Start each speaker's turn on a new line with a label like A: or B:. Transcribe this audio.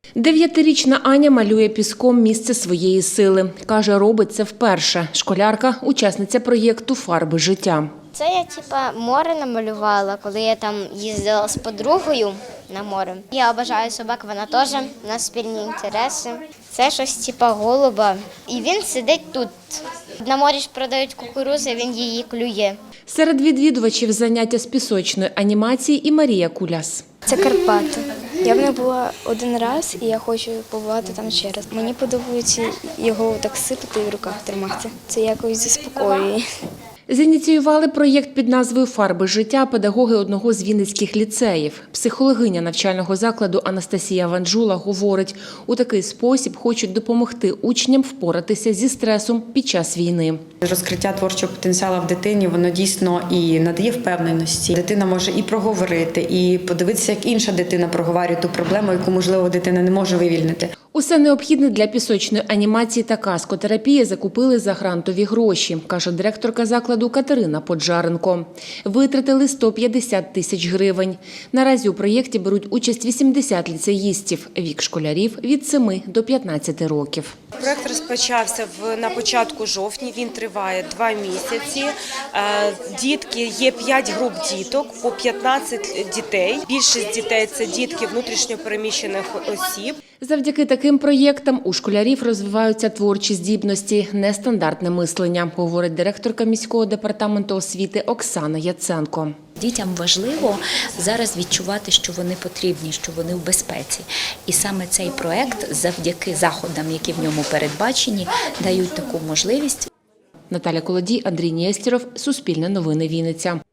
A: 9-річна Аня малює піском місце своєї сили. Каже, робить це вперше. Школярка – учасниця проєкту «Фарби життя».
B: Це я море намалювала, коли я там їздила з подругою на море. Я обожаю собак, вона теж, у нас спільні інтереси. Це щось голуба, і він сидить тут. На морі ж продають кукурудзу, він її клює.
A: Серед відвідувачів заняття з пісочної анімації і Марія Куляс.
C: Це Карпати. Я в них була один раз, і я хочу побувати там ще раз. Мені подобається його так сипати і в руках тримати. Це якось заспокоює.
A: Зініціювали проєкт під назвою «Фарби життя» педагоги одного з вінницьких ліцеїв. Психологиня навчального закладу Анастасія Ванжула говорить, у такий спосіб хочуть допомогти учням впоратися зі стресом під час війни.
D: Розкриття творчого потенціалу в дитині, воно дійсно і надає впевненості. Дитина може і проговорити, і подивитися, як інша дитина проговорює ту проблему, яку, можливо, дитина не може вивільнити.
A: Усе необхідне для пісочної анімації та каскотерапії закупили за грантові гроші, каже директорка закладу Катерина Поджаренко. Витратили 150 тисяч гривень. Наразі у проєкті беруть участь 80 ліцеїстів, вік школярів від 7 до 15 років.
E: Проєкт розпочався на початку жовтня, він триває 2 місяці. Дітки, є 5 груп діток, по 15 дітей. Більшість дітей – це дітки внутрішньо переміщених осіб.
A: Завдяки таким проєктам у школярів розвиваються творчі здібності, нестандартне мислення, говорить директорка міського департаменту освіти Оксана Яценко.
F: Дітям важливо зараз відчувати, що вони потрібні, що вони в безпеці. І саме цей проєкт, завдяки заходам, які в ньому передбачені, дають таку можливість.
A: Наталя Колодій, Андрій Нєстєров, Суспільне новини, Вінниця.